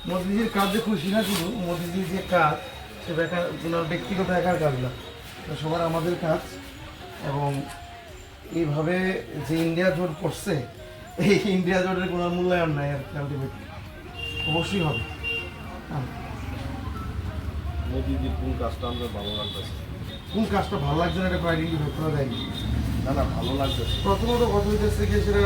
মোদিজির কাজে খুশি না, শুধু মোদিজির যে কাজ সেটা কোনো ব্যক্তিগত একার কাজ না, সবার আমাদের কাজ। এবং এইভাবে যে ইন্ডিয়া জোট করছে, এই ইন্ডিয়া জোটের কোনো মূল্যায়ন নাই আর কি, আলটিমেটলি অবশ্যই হবে। মোদিজির কোন কাজটা আমাদের ভালো লাগতেছে? কোন কাজটা ভালো লাগছে না এটা আইডেন্টিফাই করা যায়নি। না না, ভালো লাগতেছে। প্রথমত কথা হইতেছে কি, সেটা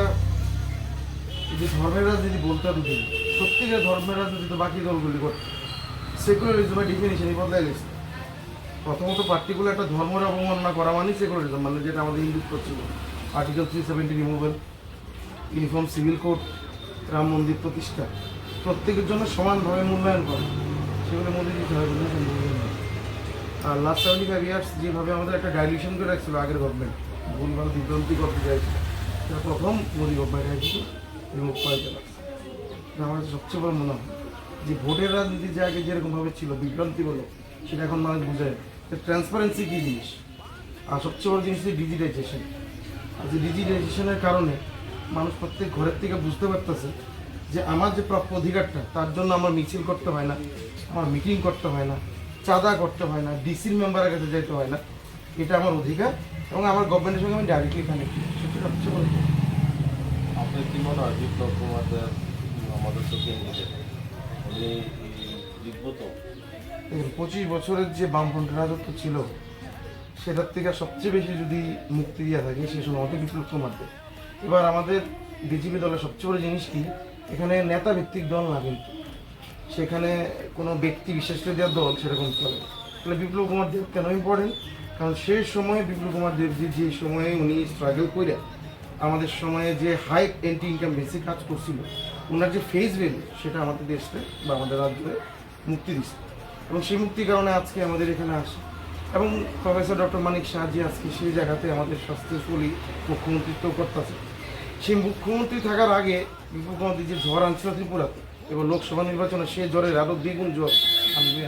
যে ধর্মের রাজনীতি বলতাম যে সত্যিকার ধর্মের রাজনীতি তো বাকি দলগুলি করতো, সেকুলারিজমের ডিফিনিশনই বদলাই গেছে। প্রথমত পার্টিকুলার একটা ধর্মের অবমাননা করা মানে সেকুলারিজম, মানে যেটা আমাদের হিন্দুত্ব ছিল। Article 370 removal, uniform civil code, Ram Mandir প্রতিষ্ঠা, প্রত্যেকের জন্য সমানভাবে মূল্যায়ন করা, সেগুলো মধ্যে দিতে হবে বলে সম্ভব নয়। আর লাস্ট 75 ইয়ার্স যেভাবে আমাদের একটা ডাইলিউশন করে রাখছিল আগের গভর্নমেন্ট, ভুলভাল বিভ্রান্তি করতে চাইছিল, সেটা প্রথম মোদী গভর্নমেন্ট হয়েছিল, রিমুভ করে দেওয়া। আমার কাছে সবচেয়ে বড় মনে হয় যে ভোটের রাজনীতি যে আগে যেরকমভাবে ছিল বিভ্রান্তি বলো, সেটা এখন মানুষ বুঝে ট্রান্সপারেন্সি কী জিনিস। আর সবচেয়ে বড় জিনিস হচ্ছে ডিজিটাইজেশন। আর যে ডিজিটাইজেশনের কারণে মানুষ প্রত্যেক ঘরের থেকে বুঝতে পারতেছে যে আমার যে প্রাপ্য অধিকারটা, তার জন্য আমার মিছিল করতে হয় না, আমার মিটিং করতে হয় না, চাঁদা করতে হয় না, ডিসির মেম্বারের কাছে যেতে হয় না, এটা আমার অধিকার এবং আমার গভর্নমেন্টের সঙ্গে আমি ডাইরেক্টলি কানেক্টেড, সেটা সবচেয়ে বড়। আপনার কি মনে হয় বিপ্লব কুমারদের আমাদের চোখে নিতে উনি জিতবো তো? 25 বছরের যে বামফ্রন্টের রাজত্ব ছিল, সেটার থেকে সবচেয়ে বেশি যদি মুক্তি দেওয়া থাকে সে সময় আমাদের বিপ্লব কুমারদের। এবার আমাদের বিজেপি দলের সবচেয়ে বড় জিনিস কি, এখানে নেতা ভিত্তিক দল না, কিন্তু সেখানে কোনো ব্যক্তি বিশেষকে দেওয়ার দল সেরকম চলে। তাহলে বিপ্লব কুমার দেব কেন ইম্পর্টেন্ট? কারণ সেই সময়ে বিপ্লব কুমার দেবজি যে সময়ে উনি স্ট্রাগল করে আমাদের সময়ে যে হাই এন্টি ইনকাম বেসে কাজ করছিল, ওনার যে ফেস ভ্যালু সেটা আমাদের দেশকে বা আমাদের রাজ্যে মুক্তি দিচ্ছে। এবং সেই মুক্তির কারণে আজকে আমাদের এখানে আসে। এবং প্রফেসর ডক্টর মানিক শাহজি আজকে সেই জায়গাতে আমাদের সাকসেসফুলি মুখ্যমন্ত্রিত্ব করতেছে। সেই মুখ্যমন্ত্রী থাকার আগে বিপ্লব কুমার যে ঝড় আনছিল ত্রিপুরাতে, এবং লোকসভা নির্বাচনে সে জ্বরের আরো দ্বিগুণ জ্বর আনবে।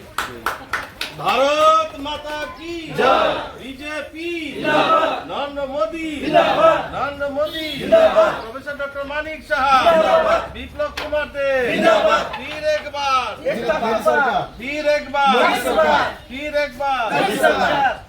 ভারত মাতা কি জয়, বিজেপি জিন্দাবাদ, নরেন্দ্র মোদি জিন্দাবাদ, নরেন্দ্র মোদি জিন্দাবাদ, প্রফেসর ডক্টর মানিক সাহা জিন্দাবাদ, বিপ্লব কুমার দেব জিন্দাবাদ, ফির একবার, ফির একবার, ফির একবার।